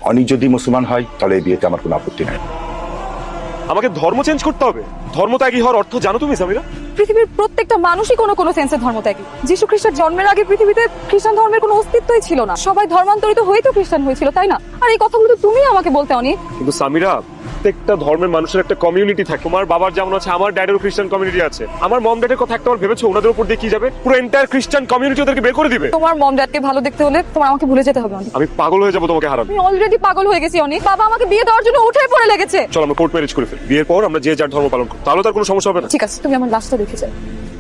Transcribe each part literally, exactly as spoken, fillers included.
অনেক যদি মুসলমান হয় তাহলে এই বিয়েতে আমার কোনো আপত্তি নাই। আমাকে ধর্ম চেঞ্জ করতে হবে? ধর্মত্যাগী হওয়ার অর্থ জানো তুমি সামিরা? পৃথিবীর প্রত্যেকটা মানুষই কোনো কোনো সেন্সে ধর্মত্যাগী। যিশু খ্রিস্টের জন্মের আগে পৃথিবীতে খ্রিস্টান ধর্মের কোনো অস্তিত্বই ছিল না। সবাই ধর্মান্তরিত হয়েই তো খ্রিস্টান হয়েছিল, তাই না? আর এই কথাগুলো তো তুমি আমাকে বলতে অনেক। কিন্তু সামিরা, প্রত্যেকটা ধর্মের মানুষের একটা কমিউনিটি থাকে। তোমার বাবার যেমন আছে, আমার ড্যাডেরও খ্রিস্টান কমিউনিটি আছে। আমার মম ড্যাডের কথা একটা ভেবেছো? ওনাদের উপর দিয়ে কি যাবে? পুরো এন্টায়ার খ্রিস্টান কমিউনিটি ওদেরকে বের করে দিবে। তোমার মম ড্যাডকে ভালো দেখতে হলে তোমার আমাকে ভুলে যেতে হবে অনেক। আমি পাগল হয়ে যাবো তোমাকে হারানো। আমি অলরেডি পাগল হয়ে গেছি অনেক। বাবা আমাকে বিয়ে দেওয়ার জন্য উঠে পড়ে লেগেছে। চলো আমরা কোর্ট ম্যারেজ করে ফেলি। বিয়ের পর আমরা যে যার ধর্ম পালন করি, তাহলে তার কোনো সমস্যা হবে না। ঠিক আছে, তুমি আমার লাশটা দেখে যাও।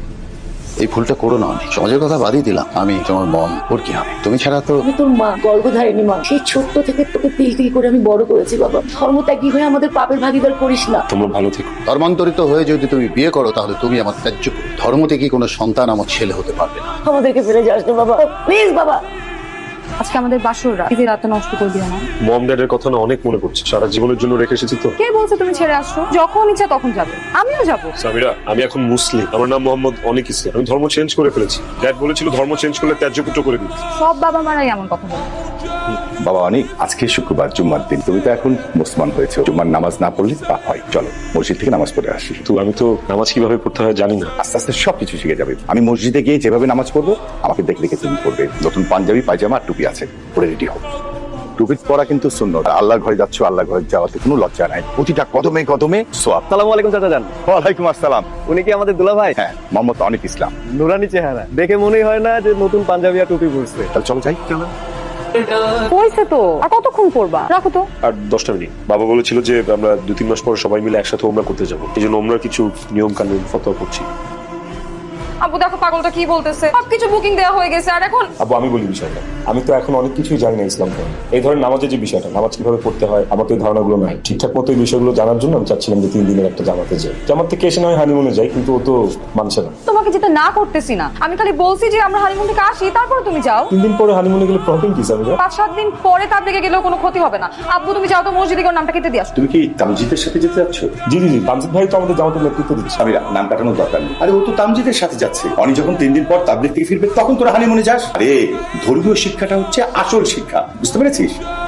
এই ভুলটা করো না। অনেক সমাজের কথা বাদই দিলাম, আমি তোমার মম, ওর কি হবে? তুমি ছাড়া তো আমি তোর মা, গর্ভধারিণী মা। সেই ছোট্ট থেকে তোকে তিল তিল করে আমি বড় করেছি বাবা। ধর্মত্যাগী হয়ে আমাদের পাপের ভাগিদার করিস না। তোমরা ভালো থেকো। ধর্মান্তরিত হয়ে যদি তুমি বিয়ে করো তাহলে তুমি আমার ত্যায্য। ধর্ম থেকে কোনো সন্তান আমার ছেলে হতে পারবে না। আমাদেরকে ফেলে যাস না বাবা, প্লিজ বাবা। আজকে আমাদের বাসর রাত, এই রাতটা নষ্ট করে দিও না। মম ড্যাডের কথা না অনেক মনে পড়ছে। সারা জীবনের জন্য রেখে এসেছি তো। কে বলছে তুমি ছেড়ে আসছো? যখন ইচ্ছা তখন যাবে, আমিও যাবো। সামিরা, আমি এখন মুসলিম। আমার নাম মোহাম্মদ অনেক ইসলাম। আমি ধর্ম চেঞ্জ করে ফেলেছি। ড্যাড বলেছিল ধর্ম চেঞ্জ করলে ত্যায্য পুত্র করে দিই। সব বাবা মারাই এমন কথা বলে। বাবা অনেক, আজকে শুক্রবার, জুম্মার দিন। তুমি তো এখন মুসলমান হয়েছে, জুম্মার নামাজ না পড়লে পাপ হয়। চলো মসজিদ থেকে নামাজ পড়ে আসি। তো আমি তো নামাজ কিভাবে পড়তে হয় জানি না। আস্তে আস্তে সবকিছু শিখে যাবে। আমি মসজিদে গিয়ে যেভাবে নামাজ পড়বো আমাকে দেখে দেখে তুমি পড়বে। নতুন পাঞ্জাবি, পায়জামা আর টুপি আছে, পরে রেডি হোক। টুপি পরা কিন্তু সুন্নাত। আল্লাহর ঘরে যাচ্ছ, আল্লাহর ঘরে যাওয়াতে কোনো লজ্জা নাই। প্রতিটা কদমে কদমে সোয়াব। আসসালামু আলাইকুম চাচা জান। ওয়ালাইকুম আসসালাম। উনি কি আমাদের দুলা ভাই? হ্যাঁ, মোহাম্মদ অনেক ইসলাম। নুরানি চেহারা দেখে মনেই হয় না যে নতুন পাঞ্জাবি আর টুপি পরছে। তাহলে চলো যাই। চলো। হয়েছে তো, আর কতক্ষণ করবা? রাখো তো। আর দশটা মিনিট। বাবা বলেছিল যে আমরা দু তিন মাস পরে সবাই মিলে একসাথে ওমরা করতে যাবো। এই জন্য ওমরার কিছু নিয়ম কানুন ফতোয়া করছি। আব্বু দেখো পাগলটা কি বলতেছে। সবকিছু বুকিং দেওয়া হয়ে গেছে, আর এখন আবু আমি বলি বিষয়টা, আমি তো এখন অনেক কিছুই জানি না ইসলাম ধর্ম। এই ধরনের নামাজের যে বিষয়টা, নামাজ কিভাবে পড়তে হয়, আমাকে এই ধারণাগুলো নাই। ঠিকঠাক মতো এই বিষয়গুলো জানার জন্য আমি চাচ্ছিলাম যে তিন দিনের একটা জামাতে যাই। জামাত থেকে এসে নয় হানিমুনে যাই, কিন্তু ও তো মানছে না। তোমাকে যেতে না করতেছি না, আমি খালি বলছি যে আমরা হানিমুন থেকে আসি, তারপর তুমি যাও। তিন দিন পরে হানিমুনে গেলে প্রবলেম কি স্যার? পাঁচ সাত দিন পরে তাবলিগে গেলেও কোনো ক্ষতি হবে না। আব্বু তুমি যাও তো মসজিদে গিয়ে ওর নামটা কেটে দিয়ে আসো। তুমি কি তামজিদের সাথে যেতে যাচ্ছ? জি জি জি, তামজিদ ভাই তো আমাদের জামাতের নেতৃত্ব দিচ্ছে। আমি নাম কাটানোর দরকার নেই। আরে ও তো তামজিদের সাথে যাচ্ছে। অনি যখন তিন দিন পর তাবলিগ থেকে ফিরবে তখন তোরা হানিমুনে যাস। আরে ধর্মীয় শিক্ষাটা হচ্ছে আসল শিক্ষা, বুঝতে পেরেছিস?